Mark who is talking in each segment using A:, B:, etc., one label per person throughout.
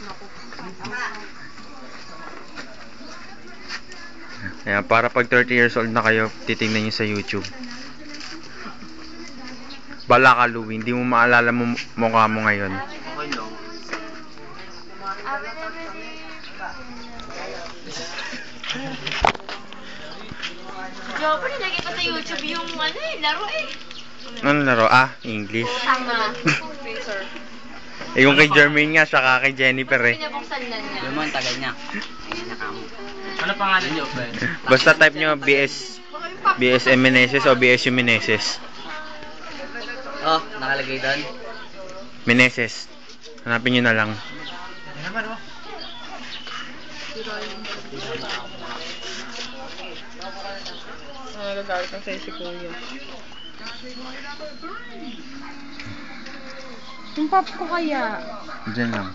A: Ayan, para pag 30 years old na kayo, titingnan nyo sa YouTube. Bala ka, Louie. Hindi mo maalala mo mukha mo ngayon.
B: Jopo, nilagay ko sa YouTube yung laro eh.
A: Ano laro? English.
B: Tama.
A: Yung kay Jermaine nga, saka kay Jennifer eh.
B: Pinabuksan na niya.
C: Alam mo, ang tagal niya. Ano pangalan niyo, friend?
A: Basta type nyo BS Meneses o BSU Meneses.
C: Oh, nakalagay doon.
A: Meneses. Hanapin nyo na lang.
D: Nagagalit na sa'yo si Kuya. Yung pop ko kaya.
A: Diyan lang.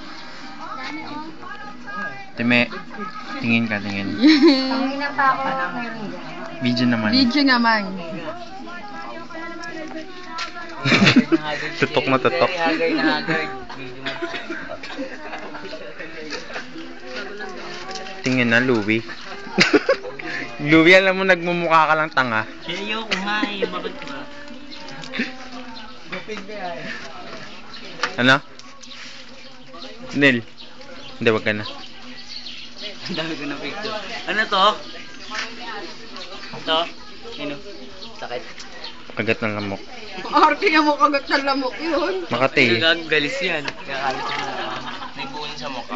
A: Time, tingin ka, tingin. Video naman.
D: Video naman.
A: Tutok na tutok.
C: Hagay na hagay.
A: Tingin na, Louie. Louie, alam mo, nagmumukha ka lang tanga.
C: Ayoko nga eh, bakit ba?
A: Ano? Nil. Hindi, wag ka na.
C: Ang dami ko na picture. Ano to? Ito? Ano? Sakit.
A: Kagat ng lamok.
D: Arte nga mo kagat ng lamok yun.
A: Makati.
C: Nagagalis yan. Kaya kalit ko na may buon sa mukha.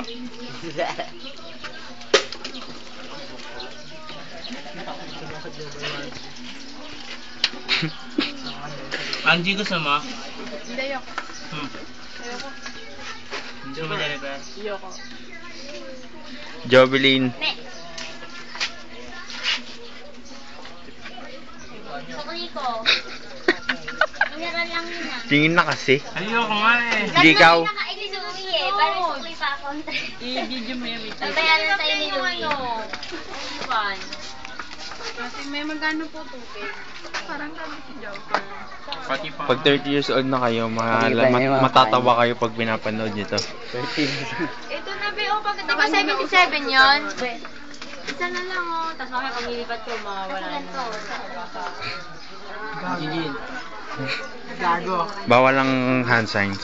C: Angie, gusto mo?
D: Hindi, ayoko. Ayoko.
C: Hindi mo Jennifer?
D: Ayoko.
A: Jovelyn.
B: Sukli ko. Meron lang yun
A: Tingin na kasi.
C: Ayoko nga eh.
A: Hindi ikaw.
B: Nakaili sa uwi eh. Parang sukli pa ako.
D: I-video mo yan.
B: Babayaran tayo ni Louie. Fun.
D: Kasi may magano po tubig. Parang kami si Joker.
C: Pati pa.
A: Pag 30 years old na kayo, matatawa kayo pag pinapanood nyo to.
B: Ito na ba o pag di ba 77 yun? Isa na lang oh. Tapos mamaya pag nilipat ko, mawawala na.
C: Gigil. Gago.
A: Bawal ang hand signs.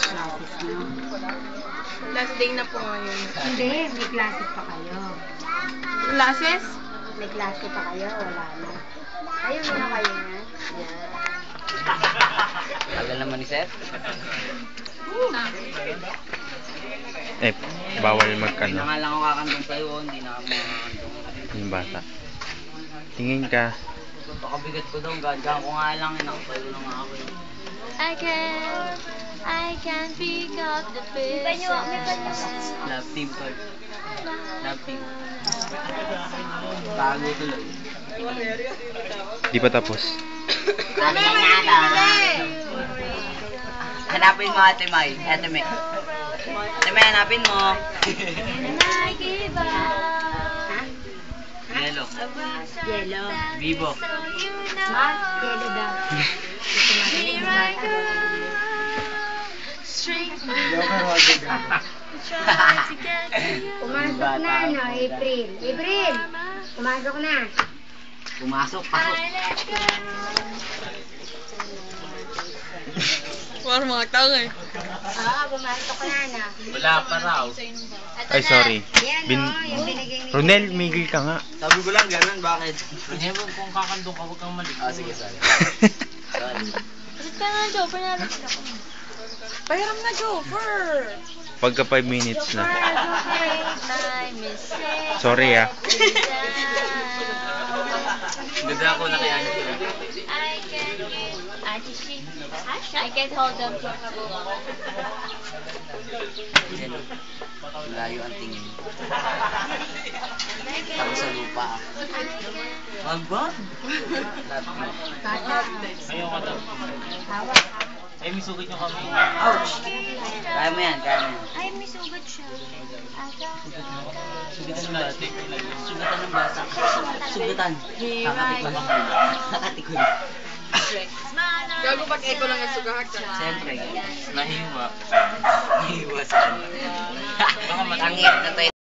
D: Last day na po ngayon.
E: Hindi, may classes pa kayo.
D: Classes?
E: May klase pa kayo, wala na. Ayun muna kayo na. Yan.
C: Tagal naman ni Seth.
A: Bawal
C: Hindi na
A: magkano.
C: nga lang ako kakantong sa'yo, hindi na ako makakantong.
A: Yung bata. Tingin ka.
C: Baka bigat ko daw, gagawin ko nga lang, nakapalo na nga ako.
B: I can pick up the pieces.
C: Love team card. Love team. Bago tuloy.
A: Di pa tapos.
C: Ano na nga hanapin mo Ate May. Ate May. Ate May, hanapin mo.
B: And I give up.
C: Yellow.
E: Yellow.
C: Vivo.
B: So you know.
E: Yellow daw.
B: Here I go. Straight try to get to you.
E: Pumasok na, no? April. April! Pumasok na.
C: Pumasok, pasok.
B: I let go.
D: Parang mga tao eh.
E: Oo, pumasok na, no?
C: Wala pa raw.
A: Ay, sorry.
E: Yan,
A: Bin
E: no? Yung binigay ni...
A: Ronel, migil ka nga.
C: Sabi ko lang ganun, bakit? Hindi mo kung kakandong ka, huwag kang mali. Sige, sorry. Sorry.
B: Kasi ka nga, Joe, panalo sila ko.
D: Pahiram na, Joker!
A: Pagka 5 minutes na.
B: My
A: Sorry
C: Ganda ako na kaya niyo.
B: I can't hold them.
C: Layo ang tingin. Tama sa lupa. Magbag? Ayaw ka daw.
E: Hawak.
C: Ay, may sugat yung kami. Ouch! Kaya mo yan, kaya mo yan.
B: Ay, may sugat siya.
C: Sugatan ng bata. Sugatan ng bata. Sugatan. Kakatikon. Kakatikon.
D: Gago pag echo lang ang sugahak ka.
C: Siyempre. Nahiwa. Nahiwa sa kanya. Baka matangit na tayo.